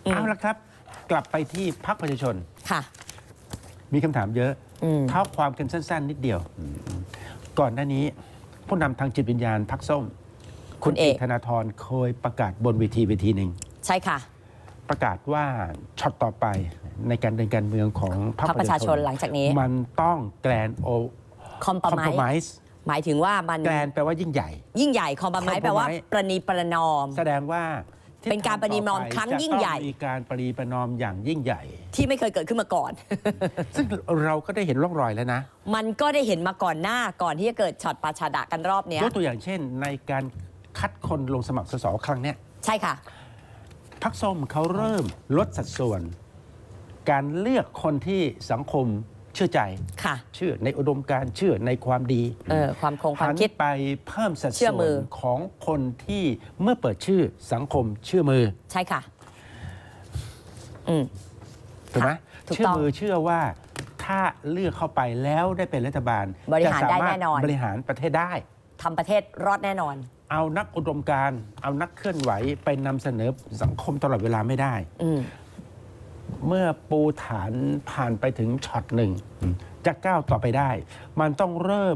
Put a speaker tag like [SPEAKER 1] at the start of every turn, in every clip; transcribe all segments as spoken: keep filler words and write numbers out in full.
[SPEAKER 1] เอาละครับกลับไปที่พรรคประชาชน
[SPEAKER 2] ค่ะ
[SPEAKER 1] มีคำถามเยอะ
[SPEAKER 2] เ
[SPEAKER 1] ท้าความกันสั้นๆนิดเดียวก่อนหน้านี้ผู้นำทางจิตวิญญาณพรรคส้มคุณเอกธนาธรเคยประกาศบนเวทีเวทีหนึ่ง
[SPEAKER 2] ใช่ค่ะ
[SPEAKER 1] ประกาศว่าช็อตต่อไปในการเดินการเมืองของพรรคประชาชน
[SPEAKER 2] หลังจากนี้
[SPEAKER 1] มันต้องแกรนโอ
[SPEAKER 2] คอมโพไมซ์หมายถึงว่ามัน
[SPEAKER 1] แกรนแปลว่ายิ่งใหญ่
[SPEAKER 2] ยิ่งใหญ่คอมโพไมซ์แปลว่าประนีประนอม
[SPEAKER 1] แสดงว่า
[SPEAKER 2] เป็นการประนีประนอมครั้งยิ่งใหญ่
[SPEAKER 1] มีการประนีประนอมอย่างยิ่งใหญ่
[SPEAKER 2] ที่ไม่เคยเกิดขึ้นมาก่อน
[SPEAKER 1] ซึ่งเราก็ได้เห็นร่องรอยแล้วนะ
[SPEAKER 2] มันก็ได้เห็นมาก่อนหน้าก่อนที่จะเกิดช็อตปาชาดะกันรอบนี้
[SPEAKER 1] ยกตัวอย่างเช่นในการคัดคนลงสมัครสสครั้งนี้
[SPEAKER 2] ใช่ค่ะ
[SPEAKER 1] พรรคส้มเขาเริ่มลดสัดส่วนการเลือกคนที่สังคมเชื่อใจ
[SPEAKER 2] ค่ะ
[SPEAKER 1] เชื่อในอุดมการณ์เชื่อในความดี
[SPEAKER 2] เออความคงความคิด
[SPEAKER 1] ไปเพิ่มสัดส่วนของคนที่เมื่อเปิดชื่อสังคมเชื่อมือ
[SPEAKER 2] ใช่ค่ะอืม
[SPEAKER 1] ถูกไหมเชื่อมือเชื่อว่าถ้าเลือกเข้าไปแล้วได้เป็นรัฐบาล
[SPEAKER 2] บริหารได้แน่นอน
[SPEAKER 1] บริหารประเทศได้
[SPEAKER 2] ทำประเทศรอดแน่นอน
[SPEAKER 1] เอานักอุดมการณ์เอานักเคลื่อนไหวไปนำเสนอสังคมตลอดเวลาไม่ได้เมื่อปูฐานผ่านไปถึงช็อตหนึ่งจะก้าวต่อไปได้มันต้องเริ่ม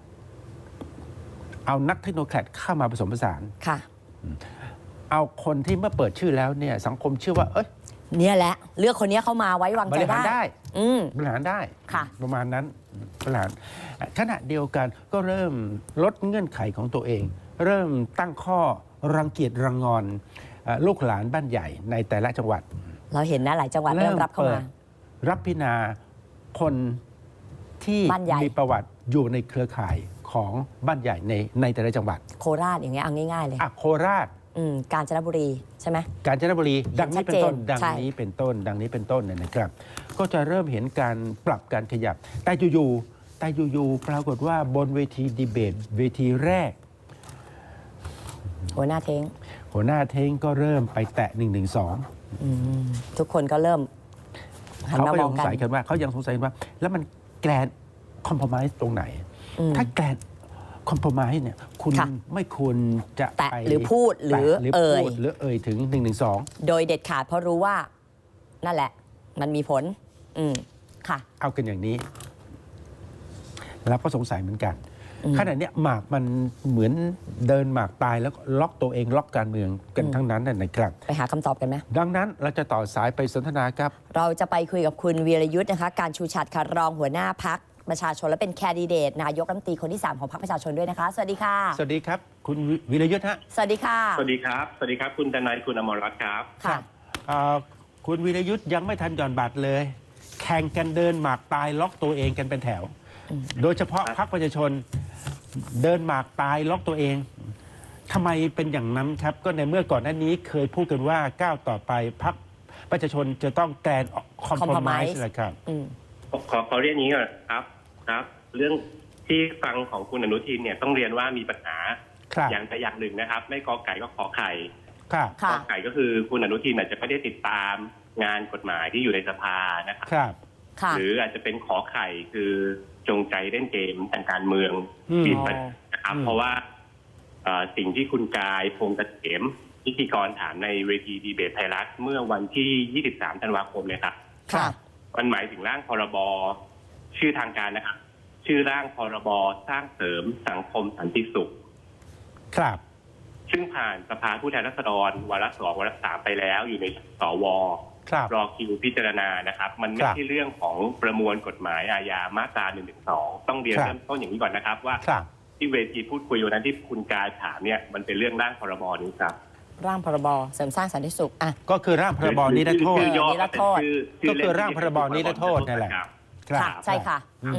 [SPEAKER 1] เอานักเทคโนแครดเข้ามาผสมผสาน
[SPEAKER 2] ค่ะ
[SPEAKER 1] เอาคนที่เมื่อเปิดชื่อแล้วเนี่ยสังคมเชื่อว่าเอ้ย
[SPEAKER 2] เนี่ยแหละเลือกคนนี้เข้ามาไว้วางใจได้
[SPEAKER 1] บริหารได้
[SPEAKER 2] บ
[SPEAKER 1] ริหารได้
[SPEAKER 2] ค่ะ
[SPEAKER 1] ประมาณนั้นบริหารขณะเดียวกันก็เริ่มลดเงื่อนไขของตัวเองเริ่มตั้งข้อรังเกียจรังงอนลูกหลานบ้านใหญ่ในแต่ละจังหวัด
[SPEAKER 2] เราเห็นนะหลายจังหวัดเริ่มรับเข้ามา
[SPEAKER 1] รับพิจารณาคนที่มีประวัติอยู่ในเครือข่ายของบ้านใหญ่ในในแต่ละจังหวัด
[SPEAKER 2] โคราชอย่างเงี้ยเอาง่ายๆเลย
[SPEAKER 1] อ่ะโคราช
[SPEAKER 2] กาญจนบุรีใช่ไหม
[SPEAKER 1] กาญจนบุรีดังนี้เป็นต้นดังนี้เป็นต้นดังนี้เป็นต้นเนี่ยนะครับก็จะเริ่มเห็นการปรับการขยับแต่อยู่ๆแต่อยู่ๆปรากฏว่าบนเวทีดีเบตเวทีแรก
[SPEAKER 2] หัวหน้าเท้ง
[SPEAKER 1] หัวหน้าเท้งก็เริ่มไปแตะหนึ่งหนึ่งสอง
[SPEAKER 2] ทุกคนก็เริ่ม
[SPEAKER 1] เขาก็ยังสงสัยกันว่าเขายังสงสัยว่าแล้วมันแกรนคอมโพไมซ์ตรงไหนถ้าแกรนคอมโพไมซ์เนี่ยคุณไม่ควรจะ
[SPEAKER 2] แตะหรือพูดหรือเอ่ย
[SPEAKER 1] หรือเอ่ยถึงหนึ่งหนึ่งสอง
[SPEAKER 2] โดยเด็ดขาดเพราะรู้ว่านั่นแหละมันมีผลอืมค่ะ
[SPEAKER 1] เอากันอย่างนี้เราก็สงสัยเหมือนกันขณะนี้หมากมันเหมือนเดินหมากตายแล้วล็อกตัวเองล็อกการเมืองกันทั้งนั้นนะครับ
[SPEAKER 2] ไปหาคำตอบกันไหม
[SPEAKER 1] ดังนั้นเราจะต่อสายไปสนทนาครับ
[SPEAKER 2] เราจะไปคุยกับคุณวีรยุทธ์นะคะการชูชัดค่ะรองหัวหน้าพรรคประชาชนและเป็นแคนดิเดตนายกรัฐมนตรีคนที่สามของพรรคประชาชนด้วยนะคะสวัสดีค่ะ
[SPEAKER 1] สวัสดีครับคุณวีรยุทธ์ฮะ
[SPEAKER 2] สวัสดีค่ะ
[SPEAKER 3] สวัสดีครับสวัสดีครับคุณดนัยคุณอมรรัตน์ครับ
[SPEAKER 2] ค่ะ
[SPEAKER 1] คุณวีรยุทธ์ยังไม่ทันหย่อนบัตรเลยแข่งกันเดินหมากตายล็อกตัวเองกันเป็นแถวโดยเฉพาะพรรคประชาชนเดินหมากตายล็อกตัวเองทำไมเป็นอย่างนั้นครับก็ในเมื่อก่อนหน้านี้เคยพูดกันว่าก้าวต่อไปพรรคประชาชนจะต้องแกรนคอมโพไมซ์เลยครับ
[SPEAKER 3] ขอขอเรียนนี้ก่อนครับครับเรื่องที่ฟังของคุณอนุทินเนี่ยต้องเรียนว่ามีปัญหาอย่างใดอย่างหนึ่งนะครับไม่กอไก่ก็ขอไข่กอไก่ก็คือคุณอนุทินอาจจะไม่ได้ติดตามงานกฎหมายที่อยู่ในสภานะครับหรืออาจจะเป็นขอไข่คือจงใจเล่นเกมทางการเมืองบิดนะครับเพราะว่าสิ่งที่คุณกายพงษ์เกษมพิธีกรถามในเวทีดีเบตไทยรัฐเมื่อวันที่ยี่สิบสามธันวาคมเลยครับมันหมายถึงร่างพรบชื่อทางการนะครับชื่อร่างพรบสร้างเสริมสังคมสันติสุข
[SPEAKER 1] ครับ
[SPEAKER 3] ซึ่งผ่านสภาผู้แทนราษฎรวาระสองวาระสามไปแล้วอยู่ในสวรอคิวพิจารณานะครับมันไม่ใช่เรื่องของประมวลกฎหมายอาญามาตราหนึ่งหนึ่งสองต้องเรียนเริ่มต้นอย่างนี้ก่อนนะครับว่าที่เวทีพูดคุยวันนั้นที่คุณกายถามเนี่ยมันเป็นเรื่องร่างพรบนี้ครับ
[SPEAKER 2] ร่างพรบเสริมสร้างสันติสุขอ่ะ
[SPEAKER 1] ก็คือร่างพรบนิรโทษ
[SPEAKER 2] นิรโทษ
[SPEAKER 1] ก็คือร่างพรบนิรโทษนั่นแหละ
[SPEAKER 2] ค่ะใช่ค่ะ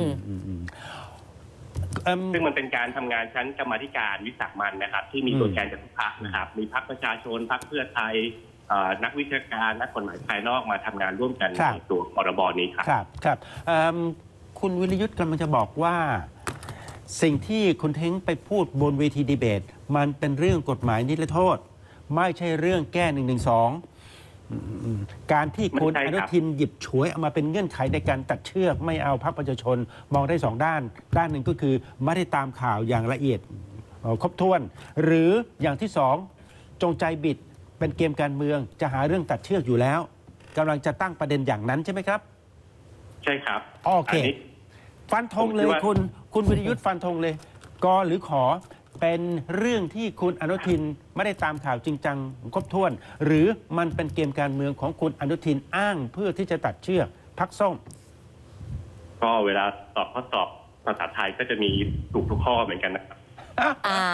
[SPEAKER 3] ซึ่งมันเป็นการทำงานชั้นกรรมาธิการวิสามัญนะครับที่มีตัวแทนจากทุกพรรคนะครับมีพรรคประชาชนพรรคเพื่อไทยนักวิชาการนักกฎหมายภายนอกมาทำงานร่วมกันในตัวพรบนี้ครับ
[SPEAKER 1] ครับครับคุณวิรยุทธ์กำลังจะบอกว่าสิ่งที่คุณเท้งไปพูดบนเวทีดีเบตมันเป็นเรื่องกฎหมายนิรโทษไม่ใช่เรื่องแก้หนึ่งหนึ่งสองการที่คุณอนุทินหยิบฉวยเอามาเป็นเงื่อนไขในการตัดเชือกไม่เอาพรรคประชาชนมองได้สองด้านด้านหนึ่งก็คือไม่ได้ตามข่าวอย่างละเอียดครบถ้วนหรืออย่างที่สองจงใจบิดเป็นเกมการเมืองจะหาเรื่องตัดเชือกอยู่แล้วกำลังจะตั้งประเด็นอย่างนั้นใช่ไหมครับ
[SPEAKER 3] ใช่ครับ
[SPEAKER 1] โอเค
[SPEAKER 3] นนี้
[SPEAKER 1] ฟันธงเลย
[SPEAKER 3] ผมคิดว่า
[SPEAKER 1] คุณคุณวิรยุทธ์ฟันธงเลยกอหรือขอเป็นเรื่องที่คุณอนุทินไม่ได้ตามข่าวจริงจังครบถ้วน หรือมันเป็นเกมการเมืองของคุณอนุทินอ้างเพื่อที่จะตัดเชือกพรรคส้ม
[SPEAKER 3] ก็เวลาสอบข้อสอบภาษาไทยก็จะมีถูกทุกข้อเหมือนกันนะครับ
[SPEAKER 2] อ้าว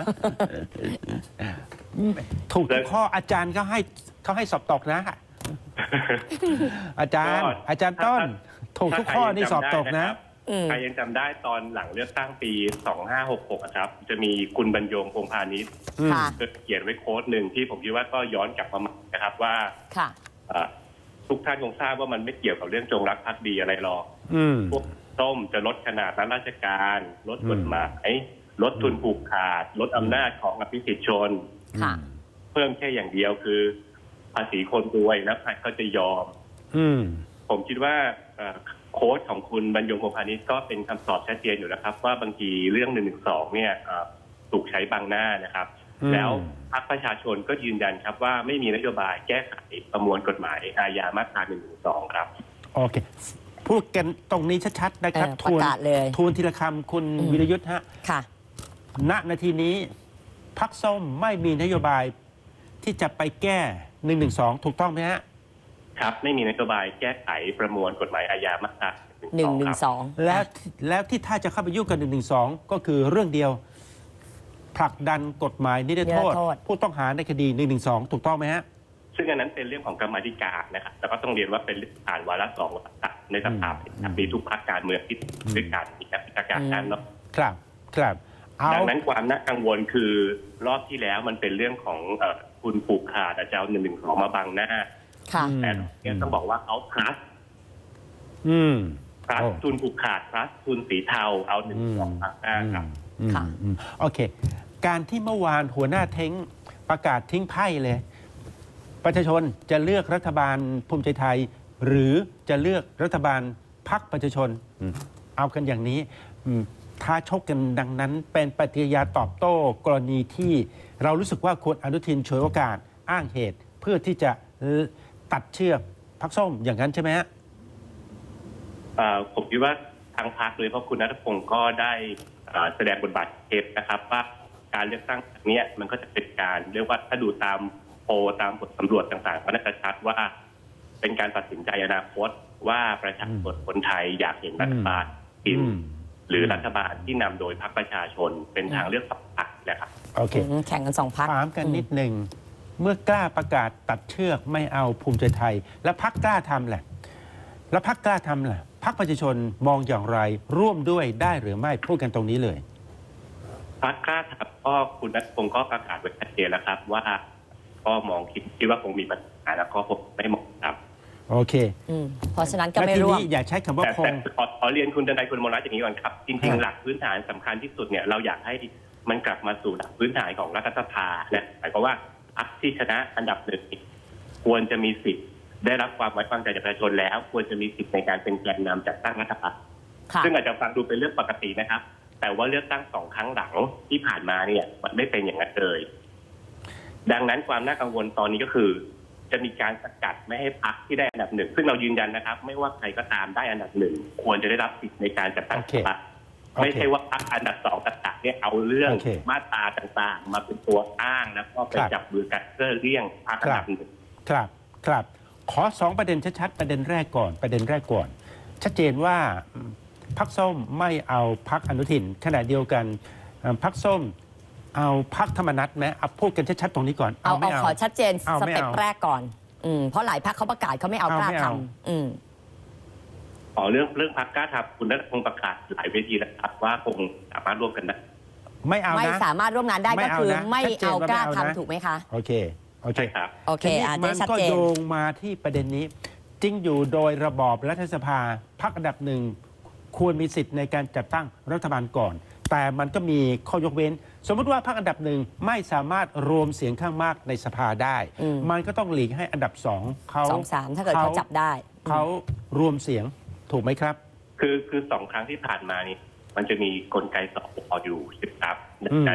[SPEAKER 1] ถูกทุกข้ออาจารย์เขาให้เขาให้สอบตกนะ อาจารย์
[SPEAKER 3] ก็
[SPEAKER 1] อาจารย์ต้น ถูกทุกข้อนี่สอบตกนะ
[SPEAKER 2] อืม
[SPEAKER 3] ใครยังจำได้ตอนหลังเลือกตั้งปีสองห้าหกหกครับ จะมีคุณบรรยงพงษ์พาณิชย์
[SPEAKER 2] ค่ะ
[SPEAKER 3] เขียนไว้โค้ดหนึ่งที่ผมคิดว่าก็ย้อนกลับมาใหม่นะครับว่า
[SPEAKER 2] ค่ะ
[SPEAKER 3] เอ่อทุกท่านคงทราบว่ามันไม่เกี่ยวกับเรื่องจงรักภักดีอะไรหรอก
[SPEAKER 1] อืม
[SPEAKER 3] พวกส้มจะลดขนาดรับราชการ ลดกฎหมายลดทุนผูกขาด ลดอำนาจของอภิสิทธิชน
[SPEAKER 2] ค่ะ
[SPEAKER 3] เพิ่มแค่อย่างเดียวคือภาษีคนรวยแล้วใครก็จะยอม
[SPEAKER 1] อืม
[SPEAKER 3] ผมคิดว่าเอ่อโค้ดของคุณบรรยงพงษ์พาณิชย์ก็เป็นคำตอบชัดเจนอยู่แล้วครับ ว่าบางทีเรื่องหนึ่งหนึ่งสองเนี่ยเอ่อถูกใช้บังหน้านะครับ
[SPEAKER 1] อืม
[SPEAKER 3] แล้วพรรคประชาชนก็ยืนยันครับว่าไม่มีนโยบายแก้ไขประมวลกฎหมายอาญามาตราหนึ่งหนึ่งสองครับ
[SPEAKER 1] โอเค พูดกันตรงนี้ชัดๆนะครับ
[SPEAKER 2] เออ
[SPEAKER 1] ทวน
[SPEAKER 2] ประกาศเลย
[SPEAKER 1] ทวนทีละคำคุณ
[SPEAKER 2] อืม
[SPEAKER 1] วิรยุทธ์ฮะ
[SPEAKER 2] ค่ะ
[SPEAKER 1] ณนาทีนี้พรรคส้มไม่มีนโยบายที่จะไปแก้หนึ่งหนึ่งสองถูกต้องไหมฮะ
[SPEAKER 3] ครับไม่มีนโยบายแก้ไขประมวลกฎหมายอาญามาตรา
[SPEAKER 2] หนึ่งหนึ่งสอง
[SPEAKER 1] แล้วแล้วที่ถ้าจะเข้าไปยุ่งกับหนึ่งหนึ่งสองก็คือเรื่องเดียวผลักดันกฎหมายนิรโทษ ผู้ต้องหาในคดีหนึ่งหนึ่งสองถูกต้องไหมฮะ
[SPEAKER 3] ซึ่งอันนั้นเป็นเรื่องของกรรมาธิการนะครับแต่ก็ต้องเรียนว่าเป็นผ่านวาระสองวาระสามในสภา
[SPEAKER 1] อืม
[SPEAKER 3] มีทุกพรรคการเมืองที่ด้วยการมีการพิจารณาการเนาะ
[SPEAKER 1] ครับครับเอา
[SPEAKER 3] ดังนั้นความน่ากังวลคือรอบที่แล้วมันเป็นเรื่องของเอ่อคุณผูกขาดอาจจะเอาหนึ่งหนึ่งสองมาบังหน้า
[SPEAKER 2] ค่ะ
[SPEAKER 1] อืม
[SPEAKER 3] แต่เนี่ยต้องบอกว่าเอา plus
[SPEAKER 1] อืม
[SPEAKER 3] plus
[SPEAKER 1] โอ้
[SPEAKER 3] ทุนผูกขาด plus ทุนสีเทาเอาหนึ่งสองบังหน้าครับ
[SPEAKER 1] อืม
[SPEAKER 2] ค่ะ
[SPEAKER 1] อืมโอเค การที่เมื่อวานหัวหน้าเท้งประกาศทิ้งไพ่เลย ประชาชนจะเลือกรัฐบาลภูมิใจไทย หรือจะเลือกรัฐบาลพรรคประชาชนอืมเอากันอย่างนี้อืมท้าชกกันดังนั้น เป็นปฏิกิริยาตอบโต้กรณีที่เรารู้สึกว่าคุณอนุทินฉวยโอกาสอ้างเหตุ เพื่อที่จะตัดเชือกพรรคส้มอย่างนั้นใช่ไหมฮะ
[SPEAKER 3] เอ่อผมคิดว่าทางพรรคเลยเพราะคุณนัทพงศ์ก็ได้เอ่อแสดงบทบาทเทปนะครับ ว่าการเลือกตั้งครั้งเนี้ยมันก็จะเป็นการเรียกว่าถ้าดูตามโพลตามบทสำรวจต่างๆก็น่าจะชัดว่าเป็นการตัดสินใจอนาคตว่าประชาชนคนไทยอยากเห็นรัฐบาลกิน
[SPEAKER 1] อืม
[SPEAKER 3] หรือรัฐบาลที่นำโดยพรรคประชาชนเป็นทางเลือกสองพรรคนะครับ
[SPEAKER 1] โอเค
[SPEAKER 2] อืมแข่งกันสองพัก
[SPEAKER 1] ถามกันนิดหนึ่ง เมื่อกล้าประกาศตัดเชือกไม่เอาภูมิใจไทย แล้วพักกล้าทำแหละ แล้วพักกล้าทำแหละพักประชาชนมองอย่างไร ร่วมด้วยได้หรือไม่พูดกันตรงนี้เลย
[SPEAKER 3] พรรคกล้าทำก็คุณนัทพงศ์ก็ประกาศไว้ชัดเจนแล้วครับ ว่าก็มองคิดคิดว่าคงมีปัญหาแล้วก็ผมไม่เหมาะครับ
[SPEAKER 1] โอเค
[SPEAKER 2] อืมเพราะฉะนั้นก็
[SPEAKER 1] และ
[SPEAKER 2] ไม่
[SPEAKER 1] ที
[SPEAKER 2] ร่วม
[SPEAKER 1] นี้อย่าใช้คำว่า
[SPEAKER 3] แต่
[SPEAKER 1] ค
[SPEAKER 3] แต่
[SPEAKER 1] ง
[SPEAKER 3] ขอขอเรียนคุณดนัยคุณมนัสอย่างนี้ก่อนครับ จริง
[SPEAKER 1] ครั
[SPEAKER 3] ๆ
[SPEAKER 1] บ
[SPEAKER 3] หลักพื้นฐานสำคัญที่สุดเนี่ยเราอยากให้มันกลับมาสู่หลักพื้นฐานของรัฐสภานะหมายความว่าพรรคที่ชนะอันดับหนึ่งควรจะมีสิทธิ์ได้รับความไว้วางใจจากประชาชนแล้ว ควรจะมีสิทธิ์ในการเป็นแกนนำจัดตั้งรัฐบาล
[SPEAKER 2] ค่ะ
[SPEAKER 3] ซึ่งอาจจะฟังดูเป็นเรื่องปกตินะครับ แต่ว่าเลือกตั้งสองครั้งหลังที่ผ่านมาเนี่ยมันไม่เป็นอย่างนั้นเลยดังนั้นความน่ากังวลตอนนี้ก็คือ จะมีการสกัดไม่ให้พรรคที่ได้อันดับหนึ่งซึ่งเรายืนยันนะครับ ไม่ว่าใครก็ตามได้อันดับหนึ่งควรจะได้รับสิทธิ์ในการจัดตั้ง
[SPEAKER 1] โอ
[SPEAKER 3] รั
[SPEAKER 1] เค
[SPEAKER 3] ฐบาล
[SPEAKER 1] โอเค
[SPEAKER 3] ไม่ใช่ว่าพรรคอันดับสองต่างๆเนี่ยเอาเรื่อง
[SPEAKER 1] โอเค
[SPEAKER 3] มาตราต่างๆ มาเป็นตัวอ้างแล้วก็ไป
[SPEAKER 1] ครับ
[SPEAKER 3] จับมือกันเพื่อเลี่ยงพรรคอันดับหนึ่ง
[SPEAKER 1] ครับครับ ขอสองประเด็นชัดๆประเด็นแรกก่อนประเด็นแรกก่อน ชัดเจนว่าพรรคส้มไม่เอาพรรคอนุทินขณะเดียวกันเอ่อพรรคส้มเอาพรรคธรรมนัตไหมเอาพูดกันชัดๆตรงนี้ก่อน
[SPEAKER 2] เอา
[SPEAKER 1] เอาไม่
[SPEAKER 2] เอา
[SPEAKER 1] เอา
[SPEAKER 2] ขอชัดเจน
[SPEAKER 1] เอา
[SPEAKER 2] ส
[SPEAKER 1] ไม่
[SPEAKER 2] เต็ป
[SPEAKER 1] เอา
[SPEAKER 2] แรกก่อน อืมเพราะหลายพักเขาประกาศเขาไม่เอา
[SPEAKER 1] เอา
[SPEAKER 2] กล้า
[SPEAKER 1] ไม่
[SPEAKER 2] ท
[SPEAKER 1] เอา
[SPEAKER 2] ำอืม
[SPEAKER 3] อ๋อเรื่องเรื่องพรรคกล้าทำคุณนัทพงศ์ประกาศหลายเวทีแล้วครับว่าคงสามารถร่วมกันได้
[SPEAKER 1] ไม่เอา
[SPEAKER 2] ไม่
[SPEAKER 1] นะ
[SPEAKER 2] สามารถร่วมงานได้
[SPEAKER 1] ไม่
[SPEAKER 2] ก็
[SPEAKER 1] เอา
[SPEAKER 2] คือ
[SPEAKER 1] นะ
[SPEAKER 2] ไม่
[SPEAKER 1] ชัดเจน
[SPEAKER 2] เอา
[SPEAKER 1] ว่าก
[SPEAKER 2] ล้า
[SPEAKER 1] ไม่เอานะ
[SPEAKER 2] ทำถูกไหมคะ
[SPEAKER 1] โอเคโอเค
[SPEAKER 3] ใช่ครับ
[SPEAKER 2] โอเค
[SPEAKER 1] ทีนี้
[SPEAKER 2] อ่ะ
[SPEAKER 1] มั
[SPEAKER 2] ได้
[SPEAKER 1] น
[SPEAKER 2] ชัด
[SPEAKER 1] ก็
[SPEAKER 2] เจน
[SPEAKER 1] โยงมาที่ประเด็นนี้ จริงอยู่โดยระบอบรัฐสภาพรรคอันดับหนึ่งควรมีสิทธิ์ในการจัดตั้งรัฐบาลก่อน แต่มันก็มีข้อยกเว้น สมมติว่าพรรคอันดับหนึ่งไม่สามารถรวมเสียงข้างมากในสภาได้
[SPEAKER 2] อืม
[SPEAKER 1] มันก็ต้องหลีกให้อันดับสองเขา
[SPEAKER 2] สองสามถ้าเกิดเขาจับได้
[SPEAKER 1] เขารวมเสียงถูกไหมครับ
[SPEAKER 3] คือคือสองครั้งที่ผ่านมานี่มันจะมีกลไกสอบออยู่ใช่ไหมครับดังนั้น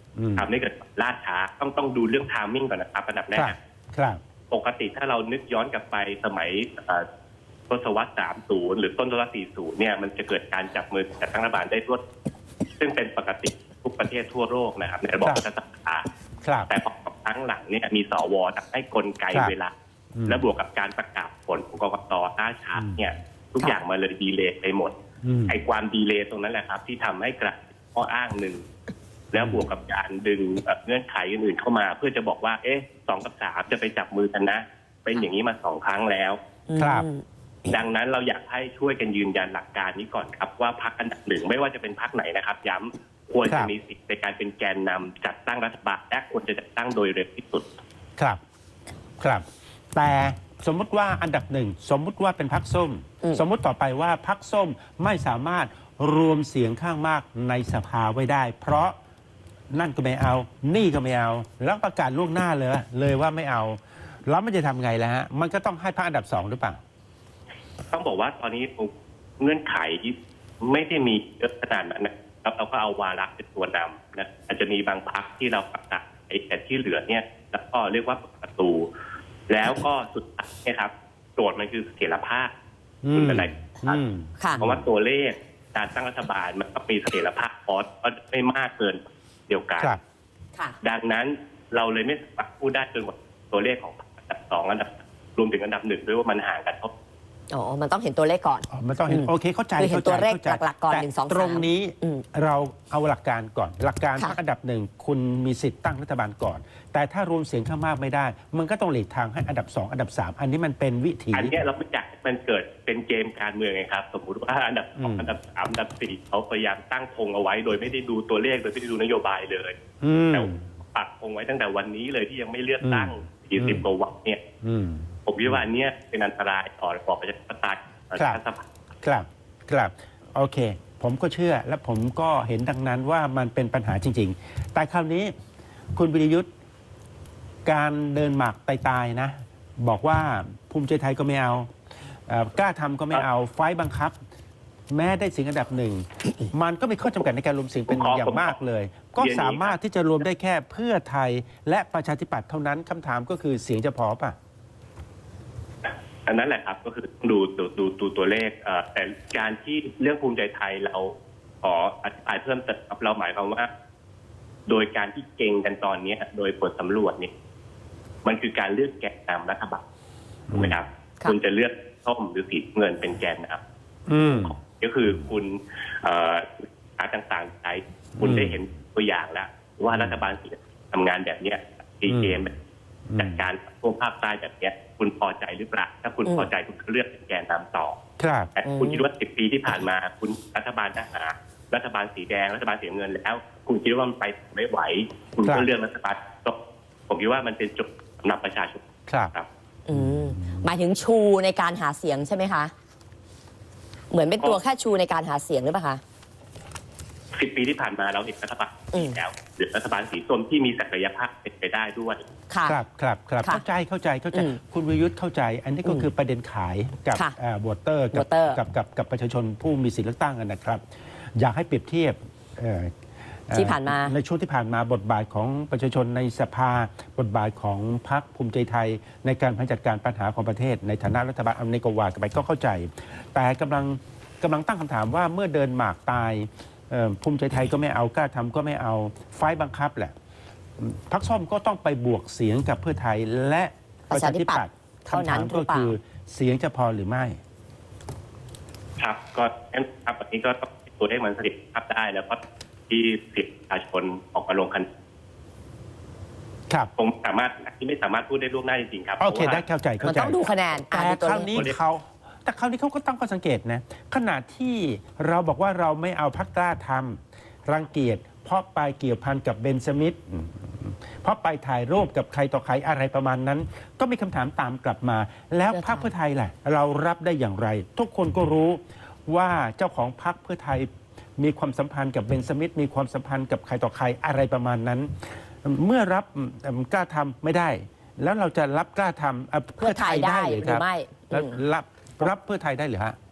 [SPEAKER 3] ทำให้เกิดล่าช้าต้องต้องดูเรื่องไทมิ่งก่อนนะครับอันดับแรก
[SPEAKER 1] ครับ
[SPEAKER 3] ปกติถ้าเรานึกย้อนกลับไปสมัยทศวรรษสามสิบหรือต้นทศวรรษสี่สิบเนี่ยมันจะเกิดการจับมือจัดตั้งรัฐบาลได้รวดซึ่งเป็นปกติทุกประเทศทั่วโลกนะครับในระบบรัฐสภาแต่พอครั้งหลังเนี่ยมีสวทำให้กลไกเวลาและบวกกับการประกาศผลของกกตล่าช้าเนี่ยทุกอย่างมาเลยดีเลย์ไปหมดไอ้ความดีเลย์ตรงนั้นแหละครับที่ทำให้กระข้ออ้างหนึ่งแล้วบวกกับการดึงเงื่อนไขอื่นๆเข้ามาเพื่อจะบอกว่าเอ๊ะสองกับสามจะไปจับมือกันนะเป็นอย่างนี้มาสองครั้งแล้ว
[SPEAKER 1] ครับ
[SPEAKER 3] ดังนั้นเราอยากให้ช่วยกันยืนยันหลักการนี้ก่อนครับว่าพรรคอันดับหนึ่งไม่ว่าจะเป็นพรรคไหนนะครับย้ำควรจะมีสิทธิ์ในการเป็นแกนนำจัดตั้งรัฐบาลและควรจะจัดตั้งโดยเร็วที่สุด
[SPEAKER 1] ครับครับแต่สมมุติว่าอันดับหนึ่งสมมุติว่าเป็นพรรคส้มสมมุติต่อไปว่าพรรคส้มไม่สามารถรวมเสียงข้างมากในสภาไว้ได้ เพราะนั่นก็ไม่เอานี่ก็ไม่เอาแล้วประกาศล่วงหน้าเลยเลยว่าไม่เอาแล้วมันจะทำไงล่ะฮะมันก็ต้องให้พรรคอันดับสองหรือเปล่า
[SPEAKER 3] ต้องบอกว่าตอนนี้เงื่อนไขไม่ได้มีเยอะขนาดนั้นนะครับเราก็เอาวาระเป็นตัวนำนะอาจจะมีบางพรรคที่เราประกาศไอ้แต่ที่เหลือเนี่ยแล้วก็เรียกว่าประตูแล้วก็สุดท้ายเนี่ยครับโจทย์มันคือเสถียรภาพคุณเป็นอะไรเพราะว่าตัวเลขการตั้งรัฐบาลมันก็มีเสถียรภาพพอก็ไม่มากเกินเดียวกันดังนั้นเราเลยไม่สามารถพูดได้จนกว่าตัวเลขของอันดับสองอันดับรวมถึงอันดับหนึ่งด้วยว่ามันห่างกันเท่า
[SPEAKER 2] อ๋อมันต้องเห็นตัวเลขก่อน
[SPEAKER 1] อ๋อมันต้องเห็นโอเคเข้าใจ
[SPEAKER 2] คือเห็นตัวเลขหลักๆก่อนหนึ่งสองสาม
[SPEAKER 1] ตรงนี้เราเอาหลักการก่อนหลักการพรรคอันดับหนึ่งคุณมีสิทธิ์ตั้งรัฐบาลก่อนแต่ถ้ารวมเสียงข้างมากไม่ได้มันก็ต้องหลีกทางให้อันดับสองอันดับสามอันนี้มันเป็นวิธี
[SPEAKER 3] อันนี้เราไม่อยากมันเกิดเป็นเกมการเมืองไงครับสมมุติว่าอันดับสองอันดับสามอันดับสี่เขาพยายามตั้งธงเอาไว้โดยไม่ได้ดูตัวเลขโดยไม่ได้ดูนโยบายเลยแต่ปักธงไว้ตั้งแต่วันนี้เลยที่ยังไม่เลือกตั้งยี่สิบกว่าวันเนี่ยผมคิดว่าอันนี้เป็นอันตรายต่อระบอบประชาธิปไตย
[SPEAKER 1] ครับครับครับโอเคผมก็เชื่อและผมก็เห็นดังนั้นว่ามันเป็นปัญหาจริงๆแต่คราวนี้คุณวิรยุทธ์การเดินหมากตายๆนะบอกว่าภูมิใจไทยก็ไม่เอาเอ่อกล้าทำก็ไม่เอาไฟบังคับแม้ได้เสียงอันดับหนึ่งมันก็มีข้อจำกัดในการรวมเสียงเป็นอย่างมากเลยก็สามารถที่จะรวมได้แค่เพื่อไทยและประชาธิปัตย์เท่านั้นคำถามก็คือเสียงจะพอป่ะ
[SPEAKER 3] อันนั้นแหละครับก็คือดูดูดูดูตัวเลขแต่การที่เรื่องภูมิใจไทยเราขออธิบายเพิ่มเติมครับเราหมายความว่าโดยการที่เก่งกันตอนนี้โดยผลสำรวจเนี่ยมันคือการเลือกแกนนำรัฐบาลถูกไหมครับคุณจะเลือกส้มหรือสีเงินเป็นแกนนำก็คือคุณหาต่างๆใช้คุณได้เห็นตัวอย่างแล้วว่ารัฐบาลสีทำงานแบบนี้ตีเกมจัดการพวกภาคใต้แบบนี้คุณพอใจหรือเปล่าถ้าคุณพอใจคุณเลือกเป็นแกนนำต่อแต่คุณคิดว่าสิบปีที่ผ่านมาคุณรัฐบาลทหารรัฐบาลสีแดงรัฐบาลสีเงินแล้วคุณคิดว่ามันไปไม่ไหวคุณก็เลือกรัฐบาลผมคิดว่ามันเป็นจุดสำหรับประชาชน
[SPEAKER 1] ครับ
[SPEAKER 2] อืมหมายถึงชูในการหาเสียงใช่ไหมคะเหมือนเป็นตัวแค่ชูในการหาเสียงหรือเปล่าคะ
[SPEAKER 3] สิบปีที่ผ่านมาเราเห็นรัฐบาลสีแล้วหรือรัฐบาลสีส้มที่มีศักยภาพเป็นไปได้ด้วย
[SPEAKER 1] ครับครับครับเข้าใจเข้าใจเข้าใจคุณวิรยุทธ์เข้าใจอันนี้ก็คือประเด็นขายกับวอเตอร์กับกับกับกับประชาชนผู้มีสิทธิเลือกตั้งกันนะครับอยากให้เปรียบเทียบ
[SPEAKER 2] ที่ผ่านมา
[SPEAKER 1] ในช่วงที่ผ่านมาบทบาทของประชาชนในสภาบทบาทของพรรคภูมิใจไทยในการจัดการปัญหาของประเทศในฐานะรัฐบาลอเมริกาวากันไปก็เข้าใจแต่กำลังกำลังตั้งคำถามว่าเมื่อเดินหมากตายภูมิใจไทยก็ไม่เอากล้าทำก็ไม่เอาไฟบังคับแหละพรรคส้มก็ต้องไปบวกเสียงกับเพื่อไทยและประชาธิปัตย์คำถามก็คือเสียงจะพอหรือไม่
[SPEAKER 3] ครับก็ครับวันนี้ก็ต้องตัวเลขมันสถิตภาพได้แล้วก็ที่สิทธิประชาชนออกมาลงคะแนน
[SPEAKER 1] ครับ
[SPEAKER 3] ผมสามารถที่ไม่สามารถพูดได้ล่วงหน้าจริงๆครับ
[SPEAKER 1] โอเคได้เข้าใจเข้าใจ
[SPEAKER 2] ต้องดูคะแนน
[SPEAKER 1] แต่คราวนี้เขาแต่คราวนี้เขาก็ตั้งข้อสังเกตนะขณะที่เราบอกว่าเราไม่เอาพรรคกล้าทำรังเกียจเพราะไปเกี่ยวพันกับเบนสมิธเพราะไปถ่ายรูปกับใครต่อใครอะไรประมาณนั้นก็มีคำถามตามกลับมาแล้วพรรคเพื่อไทยล่ะเรารับได้อย่างไรทุกคนก็รู้ว่าเจ้าของพรรคเพื่อไทยมีความสัมพันธ์กับเบนสมิธมีความสัมพันธ์กับใครต่อใครอะไรประมาณนั้นเมื่อรับกล้าทำไม่ได้แล้วเราจะรับกล้าทำเพื่อไทยได้หรือครับรับรับเพื่อไทยได้หรือฮะ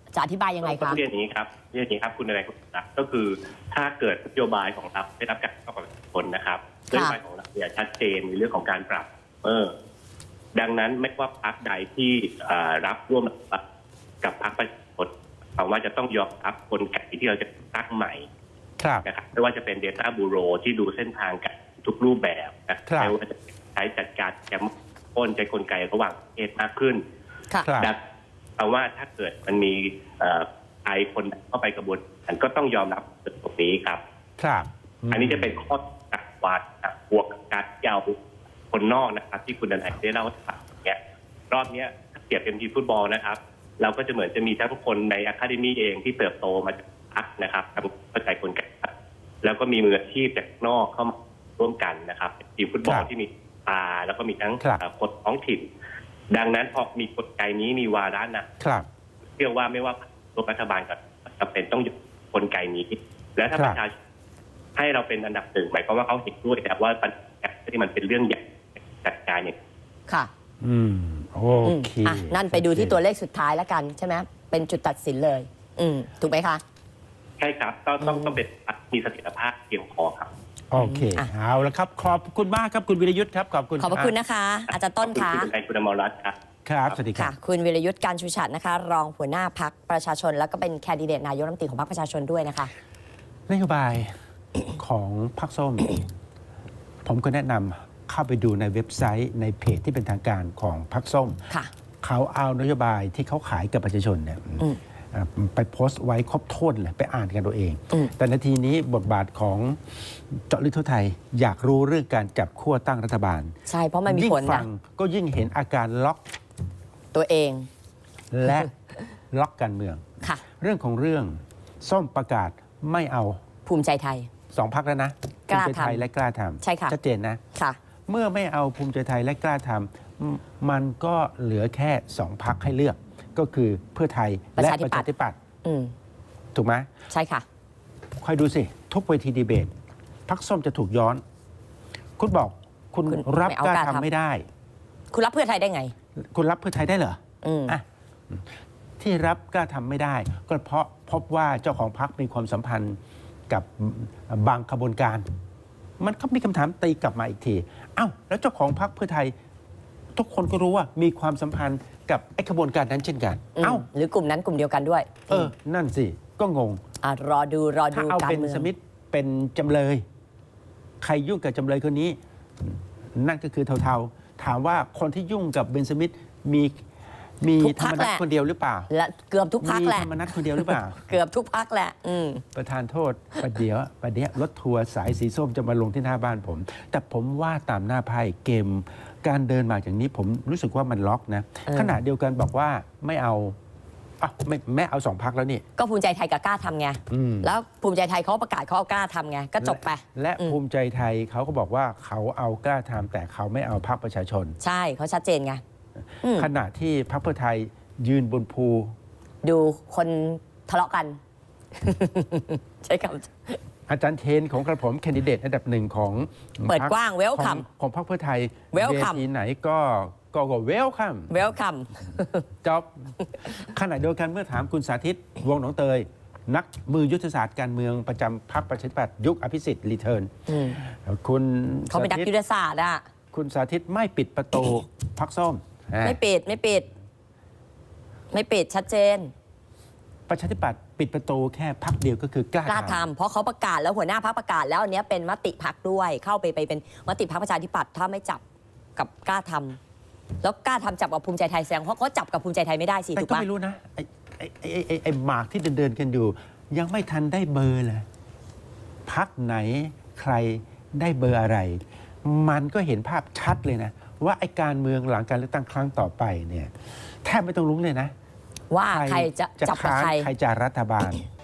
[SPEAKER 2] จะอธิบายยังไง
[SPEAKER 3] ต้
[SPEAKER 2] คะ
[SPEAKER 3] องเรียนอย่างนี้ครับเรียนอย่างนี้ครับคุณอะไรคุณนะก็คือถ้าเกิดนโยบายของเราได้รับการเข้ากับผลนะครับนโยบายของเราเนี่ยชัดเจนในเรื่องของการปรับเออดังนั้นไม่ว่าพรรคใดที่รับร่วมกับพรรคประชาชนผมว่าจะต้องยอมรับกลไกที่เราจะตั้งใหม่นะครับไม่ว่าจะเป็น Data Bureau ที่ดูเส้นทางการทุกรูปแบบนะไม่ว่าจะใช้จัดการแกมพ้นใจกลไกระหว่างประเทศมากขึ้นดังเพราะว่าถ้าเกิดมันมีใครคนเข้าไปกระบวนการก็ต้องยอมรับตรงนี้ครับ
[SPEAKER 1] ครับ
[SPEAKER 3] อันนี้จะเป็นข้อตัดวาดบวกกับการยาวคนนอกนะครับที่คุณดนัยได้เล่าให้ฟังเนี่ยรอบนี้ถ้าเปรียบเป็นทีมฟุตบอลนะครับเราก็จะเหมือนจะมีทั้งคนในอะคาเดมี่เองที่เติบโตมาจากพักนะครับทำเข้าใจกลไกแล้วก็มีมืออาชีพจากนอกเข้ามาร่วมกันนะครับทีมฟุตบอลที่มีตาแล้วก็มีทั้งคนท้องถิ่นดังนั้นพอมีกลไกนี้มีวาระนะเชื่อว่าไม่ว่ารัฐบาลกับจำเป็นต้องอยู่กลไกนี้และถ้าประชาชนให้เราเป็นอันดับหนึ่งหมายความว่าเขาเห็นด้วยแต่ว่าปัญหาที่มันเป็นเรื่องใหญ่จัดการอย่าง
[SPEAKER 2] ค่ะ
[SPEAKER 1] อืมโอเค
[SPEAKER 2] อ่ะนั่นไปดูที่ตัวเลขสุดท้ายแล้วกันใช่ไหมเป็นจุดตัดสินเลย อืมถูกไหมคะ
[SPEAKER 3] ใช่ครับต้องต้องต้องเป็นมีเสถียรภาพเพียงพอครับ
[SPEAKER 1] โอเคเอาละครับขอบคุณมากครับคุณวิรยุทธ์ครับขอบคุณ
[SPEAKER 2] ขอบคุณนะคะอาจารย์ต้นคะ
[SPEAKER 3] คุณคุณอมรรัตน์ครับ
[SPEAKER 1] ครับสวัสดีครับ
[SPEAKER 2] คุณวิรยุทธ์การชูชัดนะคะรองหัวหน้าพรรคประชาชนแล้วก็เป็นแคนดิเดตนายกรัฐมนตรีของพรรคประชาชนด้วยนะคะ
[SPEAKER 1] นโยบายของพรรคส้มผมก็แนะนำเข้าไปดูในเว็บไซต์ในเพจที่เป็นทางการของพรรคส้มเขาเอานโยบายที่เขาขายกับประชาชนเนี่ยไปโพสต์ไว้ครบถ้วนเลยไปอ่านกันตัวเองแต่นาทีนี้บทบาทของเจาะลึกทั่วไทยอยากรู้เรื่องการจับขั้วตั้งรัฐบาล
[SPEAKER 2] ใช่เพราะมันมีผลนะ
[SPEAKER 1] ยิ่งฟังก็ยิ่งเห็นอาการล็อก
[SPEAKER 2] ตัวเอง
[SPEAKER 1] และล็อกการเมืองเรื่องของเรื่องส้มประกาศไม่เอา
[SPEAKER 2] ภูมิใจไทย
[SPEAKER 1] สองพรรคแล้วนะภูมิใจไทยและกล้าทำ
[SPEAKER 2] ใช่ค่ะ
[SPEAKER 1] ชัดเจนนะ
[SPEAKER 2] ค่ะ
[SPEAKER 1] เมื่อไม่เอาภูมิใจไทยและกล้าทำมันก็เหลือแค่สองพรรคให้เลือกก็คือเพื่อไทยและประชาธิปัตย์ถูกไหม
[SPEAKER 2] ใช่ค่ะ
[SPEAKER 1] คอยดูสิทุกเวทีดีเบตพรรคส้มจะถูกย้อนคุณบอกคุณรับกล้าทำไม่ได้
[SPEAKER 2] คุณรับเพื่อไทยได้ไง
[SPEAKER 1] คุณรับเพื่อไทยได้เหรออ่ะที่รับกล้าทำไม่ได้ก็เพราะพบว่าเจ้าของพรรคมีความสัมพันธ์กับบางขบวนการมันก็มีคำถามตีกลับมาอีกทีเอ้าแล้วเจ้าของพรรคเพื่อไทยทุกคนก็รู้ว่ามีความสัมพันธ์กับไอ้ขบวนการนั้นเช่นกัน
[SPEAKER 2] เอ้าหรือกลุ่มนั้นกลุ่มเดียวกันด้วย
[SPEAKER 1] เออนั่นสิก็งง
[SPEAKER 2] อ่ะรอดูรอดู
[SPEAKER 1] ถ้าเอาเป็นสมิธเป็นจำเลยใครยุ่งกับจำเลยคนนี้นั่นก็คือเทาๆถามว่าคนที่ยุ่งกับเบนสมิธมีมีธรรมนัสคนเดียวหรือเปล่า
[SPEAKER 2] และเกือบทุกพรรคแหละ
[SPEAKER 1] มีธรรมนัสคนเดียวหรือเปล่า
[SPEAKER 2] เกือบทุกพรรคแหละ
[SPEAKER 1] ประธานโทษประเดี๋ยวประเดี๋ยวรถทัวร์สายสีส้มจะมาลงที่หน้าบ้านผมแต่ผมว่าตามหน้าไพ่เกมการเดินมาอย่างนี้ผมรู้สึกว่ามันล็อกนะขณะเดียวกันบอกว่าไม่เอาอ่ะไม่แม่เอาสองพรรคแล้วนี่
[SPEAKER 2] ก็ภูมิใจไทยกับกล้าทำไงแล้วภูมิใจไทยเขาประกาศเขาเอากล้าทำไงก็จบไป
[SPEAKER 1] และภูมิใจไทยเขาก็บอกว่าเขาเอากล้าทำแต่เขาไม่เอาพรรคประชาชน
[SPEAKER 2] ใช่เขาชัดเจนไง
[SPEAKER 1] ขณะที่พรรคเพื่อไทยยืนบนภู
[SPEAKER 2] ดูคนทะเลาะกันใช่ค
[SPEAKER 1] ำอาจารย์เทนของกระผมแคนดิเดตอันดับหนึ่งของ
[SPEAKER 2] เปิดกว้างเวลคัม
[SPEAKER 1] ของพรรคเพื่อไทย
[SPEAKER 2] เวลคัม
[SPEAKER 1] ทีไหนก็ก็ก็เวลคัม
[SPEAKER 2] เวลคัม
[SPEAKER 1] จบขณะเดียวกันเมื่อถามคุณสาธิตวงศ์หนองเตยนักมือยุทธศาสตร์การเมืองประจำพรรคประชาธิปัตย์ยุคอภิสิทธิ์รีเทิร์นคุณ
[SPEAKER 2] เขาเป็นนักยุทธศาสตร์อ่ะ
[SPEAKER 1] คุณสาธิตไม่ปิดประตูพรรคส้ม
[SPEAKER 2] ไม่ปิดไม่ปิดไม่ปิดชัดเจน
[SPEAKER 1] ประชาธิปัตย์ปิดประตูแค่พรรคเดียวก็คือกล้าก
[SPEAKER 2] ล้าทำเพราะเขาประกาศแล้วหัวหน้าพรรคประกาศแล้วอันนี้เป็นมติพรรคด้วยเข้าไปไปเป็นมติพรรคประชาธิปัตย์ถ้าไม่จับกับกล้าทำแล้วกล้าทำจับกับภูมิใจไทยแซงเพราะเขาจับกับภูมิใจไทยไม่ได้สิถูกปะ
[SPEAKER 1] แต่ก็ไม่รู้นะไอ้ไอ้ไอ้ไอ้ไอ้หมากที่เดินเดินกันอยู่ยังไม่ทันได้เบอร์เลยพรรคไหนใครได้เบอร์อะไร มันก็เห็นภาพชัดเลยนะว่าไอ้การเมืองหลังการเลือกตั้งครั้งต่อไปเนี่ยแทบไม่ต้องลุ้นเลยนะ
[SPEAKER 2] ว่าใครจะจับกับใคร
[SPEAKER 1] ใครจะรัฐบาล